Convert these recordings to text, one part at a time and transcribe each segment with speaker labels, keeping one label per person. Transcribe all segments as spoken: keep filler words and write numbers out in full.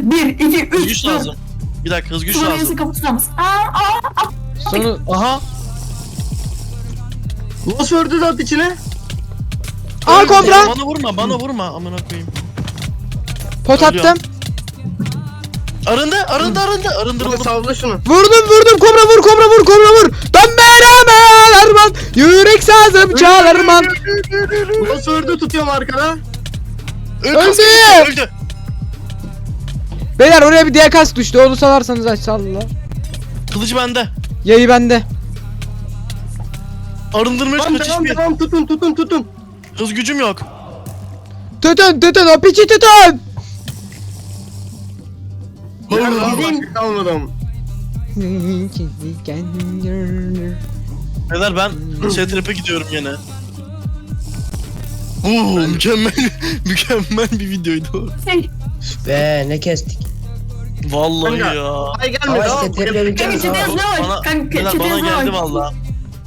Speaker 1: Hazır. Bir, iki,
Speaker 2: Hız
Speaker 1: üç,
Speaker 2: güç
Speaker 1: dört.
Speaker 2: lazım. Bir dakika hız güç
Speaker 1: Sonra
Speaker 2: lazım.
Speaker 1: yazı kapı tutamaz. Aa, aa.
Speaker 3: Sonu
Speaker 2: Aha.
Speaker 4: Nasıl ördü lan içine?
Speaker 3: Aa kobra.
Speaker 2: Bana vurma bana vurma amına koyayım.
Speaker 3: Pot
Speaker 2: Ölüyorum.
Speaker 3: attım.
Speaker 2: Arındı arındı arındı arındır
Speaker 4: Hadi
Speaker 2: oğlum.
Speaker 4: salla şunu.
Speaker 3: Vurdum vurdum kobra vur kobra vur kobra vur. Ben beraber arman. Yürek sazım çalarman.
Speaker 4: Nasıl ördü tutuyorum arkada.
Speaker 2: Öldü.
Speaker 3: Öldü.
Speaker 2: Öldü.
Speaker 3: Beyler oraya bir diğer kas düştü. Onu salarsanız aç salla.
Speaker 2: Kılıcı bende.
Speaker 3: Yayı bende.
Speaker 2: Arındırmaya
Speaker 4: Tamam
Speaker 2: kaçış
Speaker 4: tamam
Speaker 2: bir.
Speaker 4: tamam tutun tutun tutun.
Speaker 2: Hız gücüm yok.
Speaker 3: Tutun tutun o piçi tutun.
Speaker 4: Ya daha
Speaker 1: Bizim-
Speaker 4: başka kalmadım.
Speaker 2: Beyler ben şey trap'e gidiyorum yine. Oo mükemmel mükemmel bir videoydu o.
Speaker 1: Şey,
Speaker 5: Be ne kestik.
Speaker 2: Vallahi
Speaker 4: Kanka.
Speaker 2: ya.
Speaker 4: Ay gelme
Speaker 5: Ama
Speaker 4: ya.
Speaker 5: işte tepkilerini
Speaker 1: kanka çete yazına
Speaker 2: Bana,
Speaker 1: bak. Kanka
Speaker 2: beyler,
Speaker 1: çete
Speaker 2: bana
Speaker 1: yazına
Speaker 2: geldi
Speaker 1: bak.
Speaker 2: valla.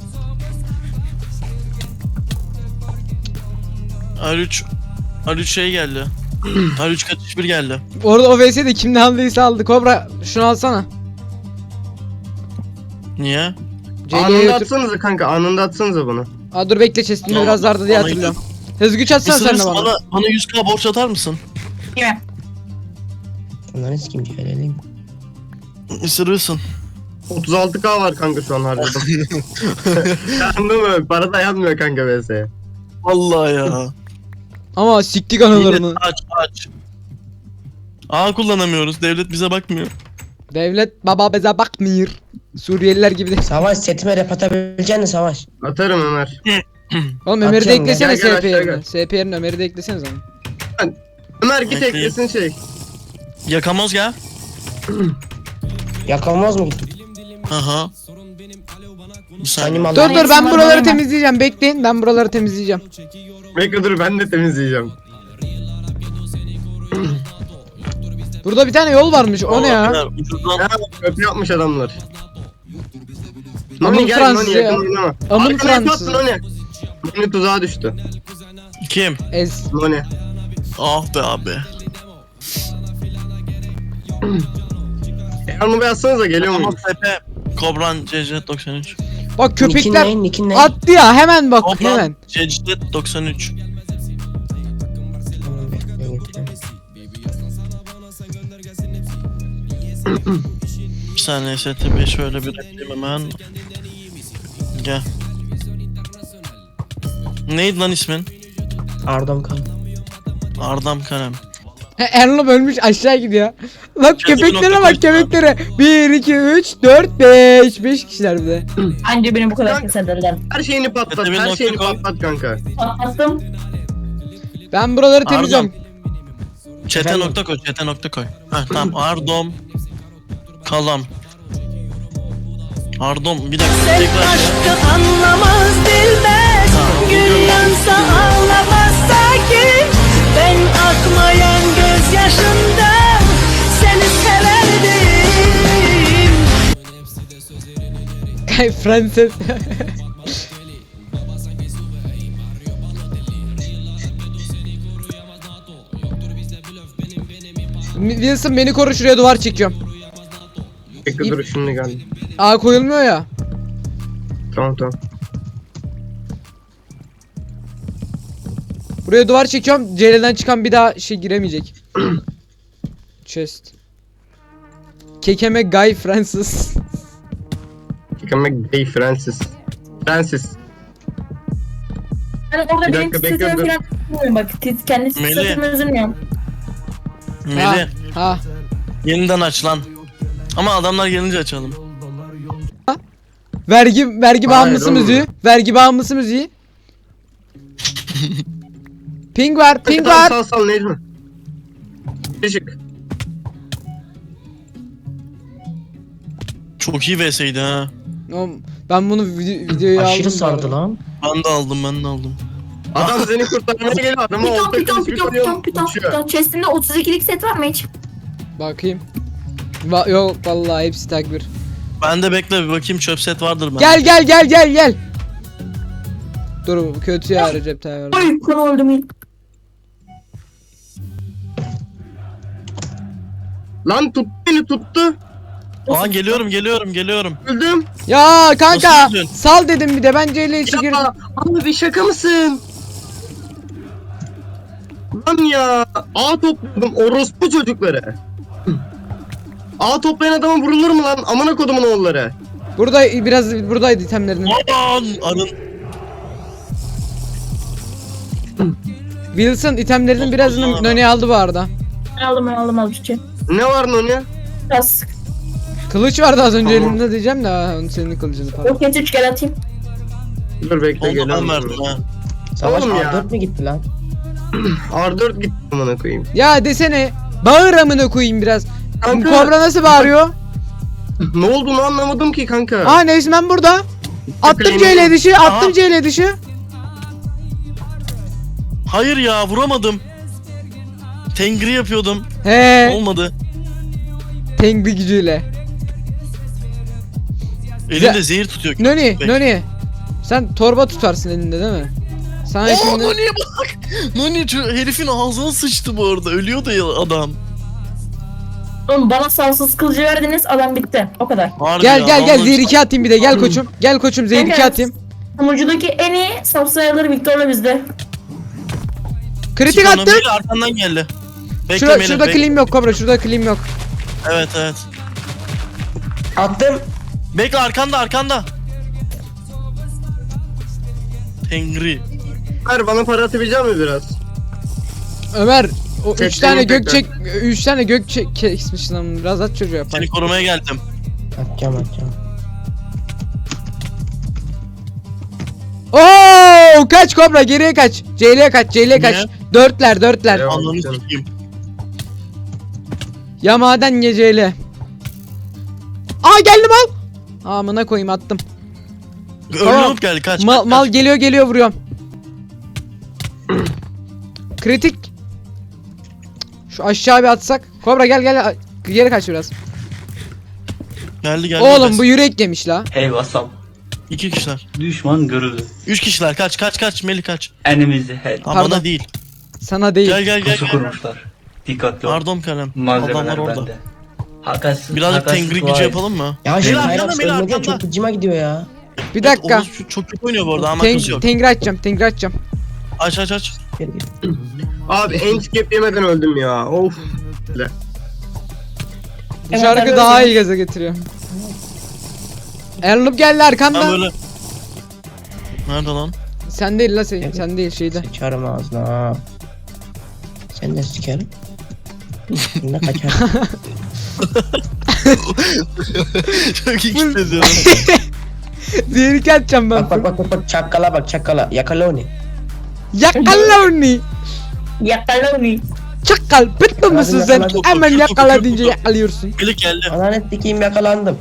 Speaker 2: R üç R üç şey geldi. R üç kaçış bir geldi.
Speaker 3: Orada o V S'de kim ne aldıysa aldı. Kobra şunu alsana.
Speaker 2: Niye?
Speaker 3: C'ye
Speaker 4: Anında
Speaker 3: götür.
Speaker 4: atsanıza kanka anında atsanıza bunu.
Speaker 3: Aa dur bekle chest'imde
Speaker 2: Tamam,
Speaker 3: biraz vardı diye
Speaker 2: bana
Speaker 3: hatırlıyorum. Hız güç atsana sen de
Speaker 2: Isırırsın
Speaker 3: bana.
Speaker 2: bana, bana yüz k borç atar mısın?
Speaker 1: Yine.
Speaker 5: Onların kim gelelim.
Speaker 2: Isırırsın.
Speaker 4: otuz altı K var kanka şu an harcadım. Anladın mı? Para dayanmıyor kanka V S'ye.
Speaker 2: Vallahi ya.
Speaker 3: Ama siktik
Speaker 2: Yine
Speaker 3: anılarını.
Speaker 2: aç aç. A kullanamıyoruz. Devlet bize bakmıyor.
Speaker 3: Devlet baba bize bakmıyor. Suriyeliler gibi de.
Speaker 5: Savaş setime rap atabileceksin Savaş.
Speaker 4: Atarım Ömer.
Speaker 3: Oğlum Ömer'i de
Speaker 5: Atacağım
Speaker 3: eklesene
Speaker 4: ya. Gel, gel,
Speaker 3: S P
Speaker 4: aşağı
Speaker 3: yerine.
Speaker 4: gel.
Speaker 3: S P yerine Ömer'i de eklesene zaman.
Speaker 4: Ömer git
Speaker 2: Ekleyeyim.
Speaker 4: eklesin şey.
Speaker 2: Yakamoz gel.
Speaker 5: Yakamoz mu gittik?
Speaker 2: Aha. Bir saniye.
Speaker 5: Animal.
Speaker 3: Dur dur ben
Speaker 1: Tamam,
Speaker 3: buraları
Speaker 1: tamam.
Speaker 3: temizleyeceğim. Bekleyin ben buraları temizleyeceğim.
Speaker 4: Bekle dur ben de temizleyeceğim.
Speaker 3: Burada bir tane yol varmış. O ne ya?
Speaker 2: Beyler, ucuzdan-
Speaker 4: Ha, köprü yapmış adamlar.
Speaker 3: Amın
Speaker 4: Noni gel
Speaker 3: Fransız
Speaker 4: Noni
Speaker 3: ya.
Speaker 4: yakın oynama.
Speaker 3: Amın
Speaker 4: Arkana yap,
Speaker 3: Fransız.
Speaker 4: Noni. Noni tuzağa düştü.
Speaker 2: Kim?
Speaker 3: Ez.
Speaker 4: Noni.
Speaker 2: Ah be abi.
Speaker 4: Yanımı yazsanıza geliyor
Speaker 2: Yakamoz
Speaker 4: muyum?
Speaker 2: S P. Kobran C C doksan üç.
Speaker 3: Bak
Speaker 5: Nikin
Speaker 3: köpekler
Speaker 5: ne? Nikin ne?
Speaker 3: attı ya hemen bak hemen.
Speaker 2: Kobran C C doksan üç. Bir saniye S T B'yi şöyle bir ekleyeyim hemen. Gel. Neydi lan ismin?
Speaker 5: Ardam kan.
Speaker 2: Ardam Kalem.
Speaker 3: He, Erlum ölmüş aşağı gidiyor. Bak
Speaker 2: Kendi
Speaker 3: köpeklere
Speaker 2: nokta
Speaker 3: bak
Speaker 2: koysun
Speaker 3: köpeklere. bir iki üç dört beş beş kişiler bir de.
Speaker 1: Anca beni bu kadar
Speaker 4: Kanka.
Speaker 1: keserler.
Speaker 4: Her şeyini patlat,
Speaker 2: Yeteneğin
Speaker 4: her
Speaker 2: nokta
Speaker 4: şeyini
Speaker 2: com.
Speaker 4: patlat kanka.
Speaker 1: Patlattım.
Speaker 3: Ben buraları temizliyorum.
Speaker 2: Çete
Speaker 5: Efendim?
Speaker 2: nokta koy, çete nokta koy. Heh tamam, Ardom Kalam. Ardom bir dakika tekrar.
Speaker 6: Aşkı anlamaz bilmez.
Speaker 2: Tamam,
Speaker 6: Gül
Speaker 2: bugün-
Speaker 6: yansa ağlamaz sakin. Ben akmayan gözyaşından seni severdim.
Speaker 3: Kay Frances. Wilson beni koru şuraya duvar çekiyorum.
Speaker 4: Bekle dur şimdi geldi.
Speaker 3: Aa koyulmuyor ya.
Speaker 4: Tamam tamam.
Speaker 3: Buraya duvar çekiyorum. C L'den çıkan bir daha şey giremeyecek. Chest. Kekeme Guy Francis.
Speaker 4: Yıkamak Gay Francis. Francis.
Speaker 1: Ben orada
Speaker 4: Bir
Speaker 1: benim
Speaker 4: dakika, bekle,
Speaker 1: titretimi
Speaker 4: dur.
Speaker 1: falan bilmiyorum bak. Tit, kendi
Speaker 2: Melih.
Speaker 1: titretimi üzülmüyorum.
Speaker 3: Ha,
Speaker 2: Meli
Speaker 3: ha.
Speaker 2: yeniden aç lan. Ama adamlar gelince açalım.
Speaker 3: Vergi vergi
Speaker 4: Hayır,
Speaker 3: bağımlısı
Speaker 4: oğlum.
Speaker 3: müziği. Vergi bağımlısı müziği. Ping var, ping
Speaker 4: Tamam,
Speaker 3: var.
Speaker 4: Sal sal Necmi. Işık.
Speaker 2: Çok iyi V S'ydi ha.
Speaker 3: Oğlum, ben bunu video, videoya aldım.
Speaker 5: Aşırı sardı lan.
Speaker 2: Ben de aldım, ben de aldım.
Speaker 4: Adam seni kurtarmaya geliyor. Adama
Speaker 1: Piton
Speaker 4: olta
Speaker 1: piton
Speaker 4: kılıç bir
Speaker 1: piton
Speaker 4: koyuyor.
Speaker 1: piton piton
Speaker 4: Uçuyor.
Speaker 1: piton. Chest'inde otuz ikilik set var mı hiç?
Speaker 3: Bakayım. Va yok vallahi hepsi takbir.
Speaker 2: Ben de bekle bir bakayım, çöp set vardır ben.
Speaker 3: Gel gel gel gel gel. Dur bu kötü ya Recep Tayyip Erdoğan.
Speaker 1: Ay konu öldüm ilk.
Speaker 4: Lan tuttu beni tuttu.
Speaker 2: Aa geliyorum geliyorum geliyorum.
Speaker 4: Öldüm.
Speaker 3: Ya kanka
Speaker 2: Nasıl öldün?
Speaker 3: sal dedim bir de ben C L içi girdim.
Speaker 4: Ya abi şaka mısın? Lan ya. A topladım orospu çocukları. A toplayan adama vurulur mu lan? Amına kodumun oğulları.
Speaker 3: Burada biraz buradaydı itemlerinin.
Speaker 2: Aman arın.
Speaker 3: Wilson itemlerinin birazını Noni aldı bu arada.
Speaker 1: Ben aldım ben aldım aldım şey.
Speaker 4: Ne var lan ya?
Speaker 1: Biraz
Speaker 3: Kılıç vardı az önce
Speaker 4: Tamam.
Speaker 3: elinde diyeceğim de ha, onun senin kılıcını pardon.
Speaker 1: roket üç gel atayım.
Speaker 4: Dur bekle
Speaker 2: Onu da ben
Speaker 4: geliyorum.
Speaker 2: verdim ha.
Speaker 5: Savaş
Speaker 4: Oğlum ya.
Speaker 5: A dört mü gitti lan?
Speaker 4: R dört gitti amına koyayım.
Speaker 3: Ya desene bağır amına koyayım biraz.
Speaker 4: Kanka.
Speaker 3: Kobra nasıl bağırıyor?
Speaker 4: Ne olduğunu anlamadım ki kanka.
Speaker 3: Aa Nesmen burada. Attım C L dışı, attım
Speaker 2: Aha.
Speaker 3: C L dışı.
Speaker 2: Hayır ya vuramadım. Tengri yapıyordum.
Speaker 3: He,
Speaker 2: Olmadı.
Speaker 3: Tengri gücüyle.
Speaker 2: Elinde zehir tutuyor.
Speaker 3: Noni,
Speaker 2: Bek.
Speaker 3: Noni. Sen torba tutarsın elinde değil mi? Sana
Speaker 2: Oo
Speaker 3: şimdi...
Speaker 2: Noni'ye bak. Noni şu herifin ağzına sıçtı bu arada. Ölüyordu ya adam.
Speaker 1: Oğlum bana savsız kılıcı verdiniz adam bitti. O kadar.
Speaker 2: Harbi
Speaker 3: Gel
Speaker 2: ya,
Speaker 3: gel gel
Speaker 2: vallahi-
Speaker 3: zehir iki atayım bir de gel koçum. Gel koçum zehir iki
Speaker 1: Kanka,
Speaker 3: atayım.
Speaker 1: Sunucudaki en iyi savsayaları Victor'la bizde.
Speaker 3: Kritik
Speaker 2: Çık onu,
Speaker 3: attım.
Speaker 2: Melih arkandan geldi. Bekle
Speaker 3: Şurada,
Speaker 2: Melih,
Speaker 3: şurada
Speaker 2: bekle.
Speaker 3: clean yok Kobra, şurada clean yok.
Speaker 2: Evet evet.
Speaker 5: Attım.
Speaker 2: Bekle arkanda arkanda. Tengri.
Speaker 4: Ver bana para atabilecek mi biraz?
Speaker 3: Ömer o üç
Speaker 4: Çektim
Speaker 3: tane
Speaker 4: tekrar.
Speaker 3: gök çek, üç tane gök çek kesmiş lan, biraz at çocuğa yapar.
Speaker 2: Seni korumaya geldim.
Speaker 5: Atacağım atacağım.
Speaker 3: Oo kaç Kobra, geriye kaç. C L'ye kaç, C L'ye kaç.
Speaker 2: Ne?
Speaker 3: Dörtler, dörtler.
Speaker 4: Devam.
Speaker 2: Ananı
Speaker 4: canım.
Speaker 2: sikeyim.
Speaker 3: Ya maden ya C L. Aa geldim al. Amına koyayım attım. Tamam.
Speaker 2: Ölüp geldi kaç.
Speaker 3: Mal,
Speaker 2: kaç,
Speaker 3: mal
Speaker 2: kaç.
Speaker 3: geliyor geliyor vuruyorum. Kritik. Şu aşağı bir atsak. Kobra gel gel geri kaç biraz.
Speaker 2: Geldi geldi.
Speaker 3: Oğlum
Speaker 2: Bes.
Speaker 3: bu yürek yemiş la.
Speaker 7: Hey Vasam,
Speaker 2: İki kişiler.
Speaker 7: düşman görüldü.
Speaker 2: Üç kişiler kaç kaç kaç Melih kaç.
Speaker 7: Enemies ahead.
Speaker 2: Ama
Speaker 3: Pardon.
Speaker 2: bana değil.
Speaker 3: Sana değil.
Speaker 2: Gel gel gel.
Speaker 7: Pusu
Speaker 2: gel.
Speaker 7: kurmuşlar. Dikkatli ol.
Speaker 2: Pardon kalem.
Speaker 7: Malzemeler
Speaker 2: Adamlar orada.
Speaker 7: bende. Hakas,
Speaker 2: Birazcık
Speaker 7: hakas
Speaker 2: tengri
Speaker 7: dua
Speaker 2: gücü
Speaker 7: et.
Speaker 2: yapalım mı?
Speaker 5: Ya şu
Speaker 2: Beyler,
Speaker 5: Hyrax
Speaker 2: arkanda, beyler,
Speaker 5: ölmedi ya,
Speaker 2: arkanda.
Speaker 5: çok gıcıma gidiyor ya.
Speaker 3: Bir dakika.
Speaker 2: Evet, Oğuz çok kötü oynuyor bu arada ama
Speaker 3: Ten,
Speaker 2: kız yok.
Speaker 3: tengri açacağım, tengri açacağım.
Speaker 2: Aç aç aç.
Speaker 5: Gel gel.
Speaker 4: Abi enskep yemeden öldüm ya. Of.
Speaker 3: Bu
Speaker 1: Evet,
Speaker 3: şarkı
Speaker 1: ben
Speaker 3: daha
Speaker 1: böyle
Speaker 3: iyi gaza getiriyor. Erlup geldi
Speaker 2: Ben
Speaker 3: arkamda.
Speaker 2: böyle. Nerede lan?
Speaker 3: Sen değil la sen,
Speaker 5: Evet.
Speaker 3: sen değil şeyde.
Speaker 5: Sıçarım ağzına ha. Sen de sikerim. Ne kaçar.
Speaker 2: Çok iyi hissediyorum.
Speaker 3: Zehir iki atacağım ben.
Speaker 5: Bak bak bak bak bak çakala bak çakala. Yakala onu.
Speaker 3: Yakala onu.
Speaker 1: Yakala onu.
Speaker 3: Çakal bitti misin sen?
Speaker 5: yakaladım.
Speaker 3: Hemen
Speaker 2: Çok, çok,
Speaker 3: yakala
Speaker 2: çok,
Speaker 3: deyince
Speaker 2: çok.
Speaker 3: yakalıyorsun.
Speaker 2: Melih geldi.
Speaker 5: Ananı sikeyim yakalandım.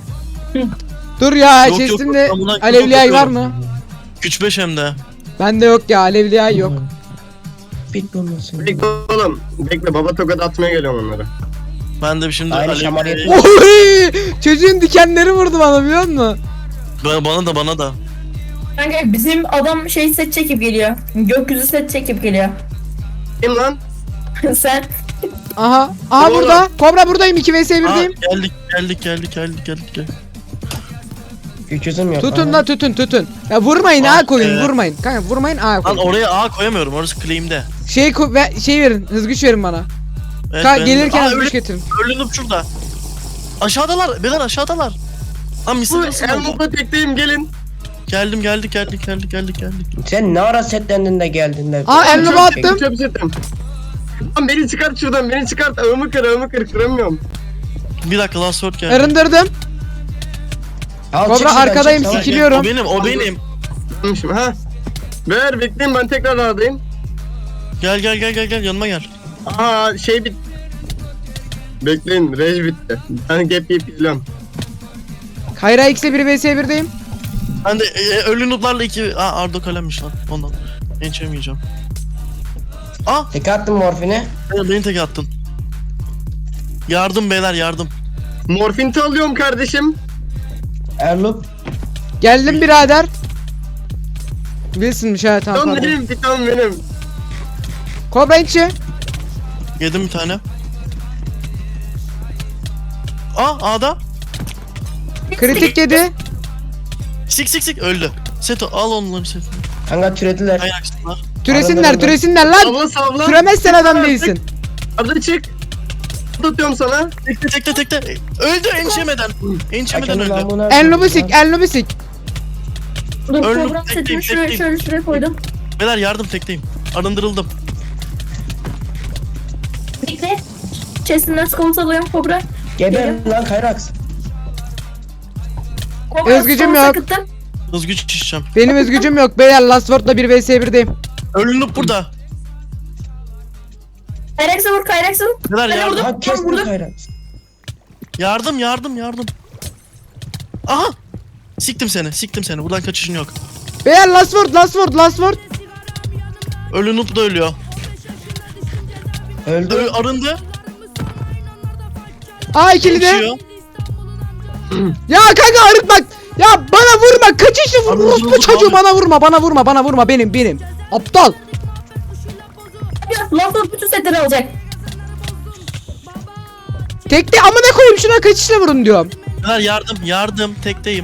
Speaker 3: Dur ya
Speaker 2: Yok, yok,
Speaker 3: chest'imde
Speaker 2: yok, ben buna çok
Speaker 3: alevli var
Speaker 2: bakıyorum.
Speaker 3: mı?
Speaker 2: Güç beş hem de.
Speaker 3: Bende yok ya, alevli ay yok.
Speaker 5: Bit bulmasın.
Speaker 4: Bekle oğlum. Bekle baba tokat atmaya geliyorum onlara.
Speaker 2: Ben de şimdi
Speaker 5: Aynı
Speaker 2: alev-
Speaker 5: şamar yapıyor.
Speaker 3: Oy! Çocuğun dikenleri vurdu bana biliyor musun?
Speaker 2: Ba- Bana da bana da.
Speaker 1: Kanka bizim adam şey set çekip geliyor. Gökyüzü set çekip geliyor.
Speaker 4: Kim lan?
Speaker 1: Sen
Speaker 3: Aha. Aha
Speaker 4: Oğlum.
Speaker 3: burada. Kobra buradayım, iki vs
Speaker 2: Aa,
Speaker 3: birdeyim.
Speaker 2: geldik geldik geldik geldik geldik geldik.
Speaker 5: Güç yüzüm yok.
Speaker 3: Tutun
Speaker 5: Aha.
Speaker 3: la tutun tutun. Ya vurmayın
Speaker 2: Ah,
Speaker 3: A koyun,
Speaker 2: evet.
Speaker 3: vurmayın. Kanka vurmayın A
Speaker 2: Lan
Speaker 3: koyun.
Speaker 2: oraya A koyamıyorum orası claim'de.
Speaker 3: Şey ko ve şey verin, hız güç verin bana.
Speaker 2: Evet,
Speaker 3: Ka
Speaker 2: ben-
Speaker 3: gelirken
Speaker 2: Aa,
Speaker 3: hız güç
Speaker 2: ölü-
Speaker 3: getirin.
Speaker 2: Ölünüp şurada. Aşağıdalar. Beyler aşağıdalar. Lan
Speaker 4: Bu
Speaker 2: misin nasıl oldu?
Speaker 4: Elmop'a tekteyim gelin.
Speaker 2: Geldim geldik geldik geldik geldik geldik.
Speaker 5: Sen ne ara setlendin de geldin de.
Speaker 3: Aa elini
Speaker 4: Çöp
Speaker 3: attım.
Speaker 4: setim, Çöp setim. Lan beni çıkart şuradan beni çıkart. Ağımı kır ağımı kır kıramıyorum.
Speaker 2: Bir dakika last word geldi.
Speaker 3: Arındırdım.
Speaker 5: Al,
Speaker 3: Kobra,
Speaker 5: çık şuradan,
Speaker 3: arkadayım,
Speaker 5: çık, savaş.
Speaker 3: sikili- Biliyorum.
Speaker 2: O benim o benim.
Speaker 4: Yanlışım ha. Ver bekleyin ben tekrar ağdayım.
Speaker 2: Gel gel gel gel gel yanıma gel.
Speaker 4: Aa şey bit. Bekleyin rej bitti. Ben gap yiyip izliyorum.
Speaker 3: Kayra X'e bir vs birdeyim.
Speaker 2: Ben de e, e, ölü notlarla iki... Aa Ardo kalemmiş lan ondan. Ençemeyeceğim. Aa
Speaker 5: Tek attım morfini.
Speaker 2: beni, beni tek attın. Yardım beyler yardım.
Speaker 4: Morfinti alıyorum kardeşim.
Speaker 5: Erlup.
Speaker 3: Geldim birader. Wilson'mış ha, tamam
Speaker 4: Tam
Speaker 3: pardon.
Speaker 4: benim tam benim.
Speaker 3: Kobra içi.
Speaker 2: Yedim bir tane. Aa A'da.
Speaker 3: Kritik yedi.
Speaker 2: Sik sik sik öldü. Seto al onları Seto.
Speaker 5: Kanka türediler.
Speaker 2: Ayaksınlar.
Speaker 3: Türesinler
Speaker 5: Arada-
Speaker 3: türesinler lan.
Speaker 4: Savla savla.
Speaker 3: Türemezsen adam değilsin.
Speaker 4: Arda çık. Tutuyorum sana.
Speaker 2: Tekte tekte tekte. Öldü ençemeden. Ençemeden
Speaker 5: Hakemin
Speaker 2: öldü.
Speaker 5: namına
Speaker 3: En
Speaker 5: koydum
Speaker 3: lobisik
Speaker 5: lan.
Speaker 3: en lobisik.
Speaker 1: Dur
Speaker 2: Öldüm,
Speaker 1: program
Speaker 2: tekleyim,
Speaker 1: setimi şuraya
Speaker 2: tekleyim.
Speaker 1: şöyle şuraya koydum.
Speaker 2: Beyler yardım tekteyim. Arındırıldım.
Speaker 1: Bekle. Chest'inden skolt alıyorum Kobra.
Speaker 5: Geber lan Kayrax.
Speaker 1: Kobra
Speaker 3: Özgücüm
Speaker 1: skolt
Speaker 3: yok.
Speaker 1: sakıttım.
Speaker 2: Hızgüç çişeceğim.
Speaker 3: Benim özgücüm yok. Beyler Last Word'la bir vs birdeyim.
Speaker 2: Ölünüp burada.
Speaker 1: Kayraks'a vur Kayraks'a vur.
Speaker 2: Beyler
Speaker 1: Ben
Speaker 2: yardım.
Speaker 1: orada-
Speaker 5: Ha kestim
Speaker 1: burada.
Speaker 5: Kayrax.
Speaker 2: Yardım yardım yardım. Aha. Siktim seni siktim seni. Buradan kaçışın yok.
Speaker 3: Beyler Last Word Last Word Last Word.
Speaker 2: Ölünüp da ölüyor.
Speaker 5: Öldü.
Speaker 2: Ö arındı.
Speaker 3: Aa ikili de.
Speaker 2: Yaşıyor.
Speaker 3: Ya kanka arıtmak. Ya bana vurma. Kaçışlı vur.
Speaker 2: Abi,
Speaker 3: Orospu
Speaker 2: vuruldu
Speaker 3: çocuğu
Speaker 2: abi.
Speaker 3: bana vurma. Bana vurma. Bana vurma. Benim benim. Aptal.
Speaker 1: Lafla bütün setleri alacak.
Speaker 3: Tekte amına koyayım şuna kaçışla vurun diyorum.
Speaker 2: Beyler yardım yardım tekteyim.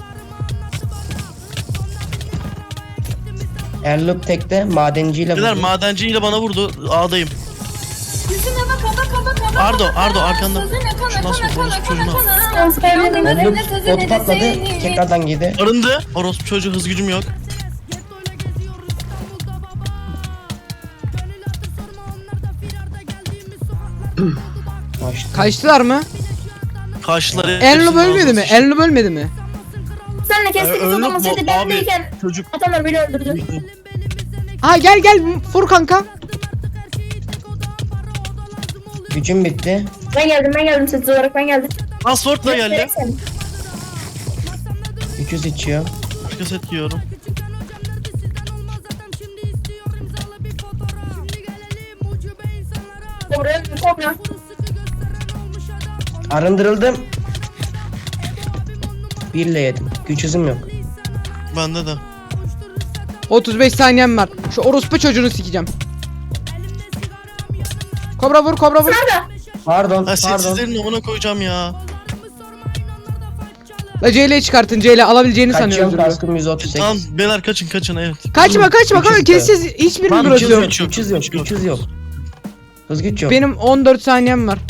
Speaker 5: Erlup tekte madenciyle
Speaker 2: Beyler
Speaker 5: vurdu.
Speaker 2: madenciyle bana vurdu. A'dayım. Ardo Ardo arkanda. Şu nasıl orospu çocuğunu al.
Speaker 1: Skolt evleneyim.
Speaker 5: Erlup botu patladı. Tekrardan girdi.
Speaker 2: Arındı. Orospu çocuğu hız gücüm yok.
Speaker 5: Kaçtı.
Speaker 3: Kaçtılar mı?
Speaker 2: Kaşları.
Speaker 3: Enlo bölmedi mi? Enlo bölmedi mi?
Speaker 1: Senle
Speaker 2: Ee,
Speaker 1: kestiğimiz
Speaker 2: öldü
Speaker 1: zaman
Speaker 2: bu
Speaker 1: seti
Speaker 2: abi.
Speaker 1: bendeyken
Speaker 2: Çocuk.
Speaker 1: adamlar beni öldürdü.
Speaker 3: Ha gel gel vur kanka.
Speaker 5: Gücüm bitti.
Speaker 1: Ben geldim ben geldim set olarak ben geldim.
Speaker 2: Password'la geldi.
Speaker 5: üç yüz içiyor.
Speaker 2: Başka set giyiyorum.
Speaker 1: Kobra Kobra.
Speaker 5: Arındırıldım. Birle yedim. Güç hızım yok.
Speaker 2: Bende de.
Speaker 3: otuz beş saniyem var. Şu orospu çocuğunu sikeceğim. Kobra vur kobra vur.
Speaker 1: Nerede?
Speaker 5: Pardon,
Speaker 2: Ha
Speaker 5: pardon.
Speaker 2: setsizlerin amına koyacağım ya.
Speaker 3: La C L'yi çıkartın C L alabileceğini sanıyor
Speaker 5: Kaçıyorum
Speaker 3: özür dilerim.
Speaker 5: kaskım yüz otuz sekiz.
Speaker 2: Tamam beyler kaçın kaçın evet.
Speaker 3: Kaçma kaçma kanka
Speaker 5: Üç yüz
Speaker 3: kessiz hiçbirini
Speaker 5: Lan güç
Speaker 3: bırakıyorum.
Speaker 5: yok, güç yok, güç yok. yok. Hız güç yok.
Speaker 3: Benim on dört saniyem var.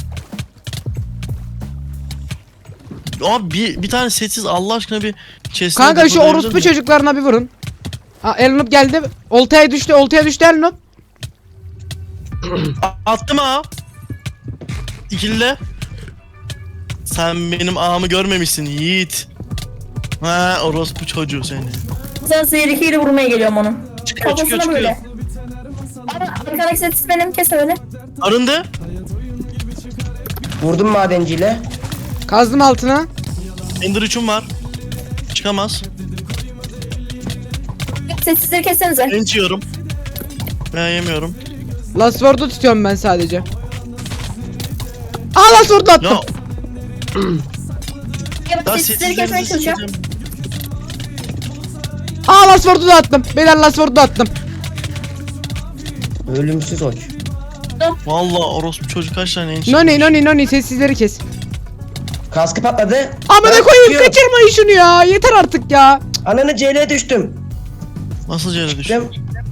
Speaker 2: Abi bir, bir tane setsiz Allah aşkına bir chest'e
Speaker 3: Kanka şu
Speaker 2: depolayabilir
Speaker 3: orospu
Speaker 2: miyim?
Speaker 3: çocuklarına bir vurun. Ha Elnup geldi. Oltaya düştü oltaya düştü Elnup.
Speaker 2: A- Attım ha. İkili. Sen benim ağamı görmemişsin Yiğit. Ha orospu çocuğu seni.
Speaker 1: Sen zehrikiyle vurmaya geliyorum onun.
Speaker 2: Çıkıyor çıkıyor
Speaker 1: Kafasına böyle.
Speaker 2: çıkıyor.
Speaker 1: Ama arkadaki set benim kes öyle.
Speaker 2: Arındı.
Speaker 5: Vurdum madenciyle.
Speaker 3: Kazdım altına.
Speaker 2: Ender üçüm var. Çıkamaz.
Speaker 1: Setsizleri kessenize.
Speaker 2: Enç yiyorum. Ben yemiyorum.
Speaker 3: Last Word'u tutuyorum ben sadece. Aa Last Word'u attım.
Speaker 2: Ya
Speaker 1: Ya
Speaker 2: daha
Speaker 1: setsizleri kesmeye
Speaker 2: setsizlerinizi
Speaker 1: çalışacağım.
Speaker 2: sikeceğim.
Speaker 3: Aa Last Word'u da attım. Beyler Last Word'u da attım.
Speaker 5: Ölümsüz oç.
Speaker 2: Valla orospu çocuk kaç tane enç
Speaker 3: Noni noni noni sessizleri kes.
Speaker 5: Kaskı patladı.
Speaker 3: Amına
Speaker 5: Ben
Speaker 3: koyayım
Speaker 5: çıkıyorum.
Speaker 3: kaçırmayın şunu ya. Yeter artık ya.
Speaker 5: Ananı C L'ye düştüm.
Speaker 2: Nasıl yere düştü?
Speaker 5: Düştüm.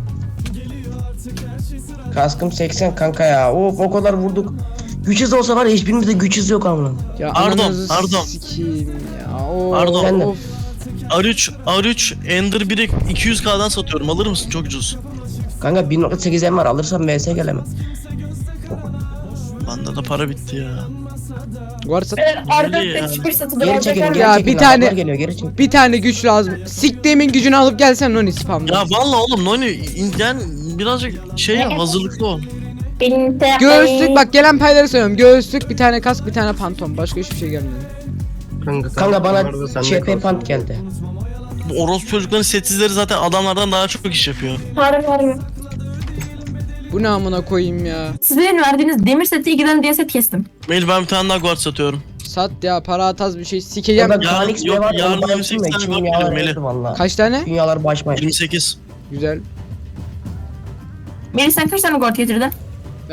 Speaker 5: Kaskım seksen kanka ya. Of o kadar vurduk. Güç hızı olsa var ya hiçbirimizde güç hızı yok amına.
Speaker 3: Ya
Speaker 2: Pardon,
Speaker 3: ananızı
Speaker 2: pardon.
Speaker 3: sikeyim ya. Oo,
Speaker 2: Pardon.
Speaker 5: Sen de.
Speaker 3: of.
Speaker 2: R üç, R üç Ender biri iki yüz K'dan satıyorum. Alır mısın? Çok ucuz.
Speaker 5: Kanka bir nokta sekiz M var alırsam V S gelemem.
Speaker 2: Bende de para bitti ya.
Speaker 3: Varsa
Speaker 1: Ee, Arda
Speaker 2: Öyle ya.
Speaker 1: hiçbir satıda
Speaker 5: Geri
Speaker 1: alacak
Speaker 5: çekilin
Speaker 1: var mı?
Speaker 5: geri
Speaker 3: Ya,
Speaker 5: çekilin.
Speaker 3: bir tane-
Speaker 5: Adamlar geliyor geri çekilin.
Speaker 3: bir tane güç lazım. Siktiğimin gücünü alıp gelsen Noni spamda.
Speaker 2: Ya valla oğlum Noni in- yani birazcık şey ya hazırlıklı ol.
Speaker 1: Benim de...
Speaker 3: Göğüslük bak gelen payları söylüyorum. Göğüslük bir tane kask bir tane pantom. Başka hiçbir şey gelmedi.
Speaker 4: Kanka,
Speaker 5: Kanka bana
Speaker 4: bunlar da sende
Speaker 5: Ç P
Speaker 4: kalsın.
Speaker 5: pant geldi.
Speaker 2: Bu orospu çocukların setsizleri zaten adamlardan daha çok iş yapıyor.
Speaker 1: Harbi harbi.
Speaker 3: Bu ne amına koyayım ya.
Speaker 1: Sizlerin verdiğiniz demir seti ikiden diye set kestim.
Speaker 2: Melih ben bir tane daha guard satıyorum.
Speaker 3: Sat ya para ataz bir şey sikeceğim.
Speaker 5: Kanka
Speaker 2: Yarın-
Speaker 5: Kanix
Speaker 2: yok,
Speaker 5: ne var?
Speaker 2: yarın
Speaker 5: Onu
Speaker 2: yirmi
Speaker 5: baksana,
Speaker 2: sekiz tane
Speaker 5: içim
Speaker 2: var
Speaker 5: yağlar
Speaker 2: Melih.
Speaker 5: eridi valla.
Speaker 3: Kaç tane?
Speaker 5: Dünyalar başmayın.
Speaker 2: yirmi sekiz.
Speaker 3: Güzel.
Speaker 1: Melih sen kaç tane guard getirdin?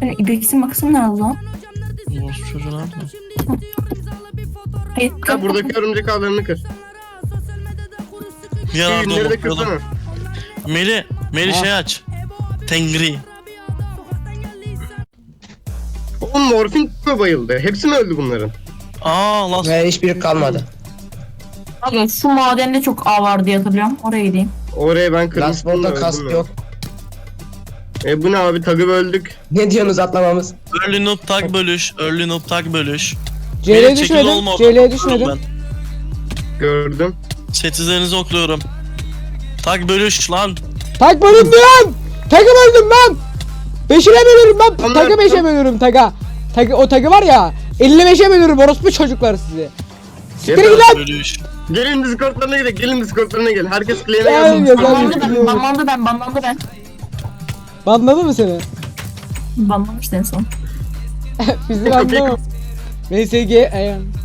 Speaker 1: Hani İbex'in makası nerede lan?
Speaker 2: Orospu çocuğu nerede?
Speaker 1: Hayır.
Speaker 4: Ya buradaki örümcek ağlarını kır.
Speaker 2: Bir ara
Speaker 4: Ünleri de
Speaker 2: bakıyordum.
Speaker 4: kırsana.
Speaker 2: Meli, Meli
Speaker 3: Ha.
Speaker 2: şey aç. Tengri.
Speaker 4: Oğlum morfin mi bayıldı? Hepsi mi öldü bunların?
Speaker 2: Aa lan.
Speaker 5: Ve hiçbiri kalmadı.
Speaker 1: Aga şu madende çok ağ var diye hatırlıyorum. Oraya gideyim.
Speaker 4: Oraya ben
Speaker 5: Last
Speaker 4: kırmıştım da
Speaker 5: Ball'da
Speaker 4: öldüm
Speaker 5: kask
Speaker 4: ya.
Speaker 5: yok.
Speaker 4: E bu ne abi, tagı böldük.
Speaker 5: Ne diyorsunuz atlamamız?
Speaker 2: Early noob tag bölüş. Early noob tag bölüş.
Speaker 3: C L'ye
Speaker 2: Meli, çekil
Speaker 3: düşmedim.
Speaker 2: olma
Speaker 3: C L'ye
Speaker 2: oradan.
Speaker 3: düşmedim.
Speaker 2: Ben.
Speaker 4: Gördüm.
Speaker 2: Setizlerinizi okluyorum. Tag bölüş lan.
Speaker 3: Tak bölüm lan! Takı böldüm ben! Beşine bölüyorum ben!
Speaker 4: Onlar-
Speaker 3: Takı beşe bölüyorum taga. Takı, o takı var ya, elli beşe bölüyorum orospu çocuklar sizi. Siktir
Speaker 4: Yeter.
Speaker 3: git lan!
Speaker 2: Bölüş.
Speaker 4: Gelin Discord'larına gidelim. Gelin Discord'larına gelin. Herkes claim'e
Speaker 3: Gel,
Speaker 4: yazsın.
Speaker 3: gel.
Speaker 1: Banlandı ben,
Speaker 3: biliyorum.
Speaker 1: banlandı ben, banlandı ben.
Speaker 3: Banladı mı seni?
Speaker 1: Banlamıştı en son.
Speaker 3: Bizi
Speaker 4: Kapıyı
Speaker 3: banlama. M S G, ayağım.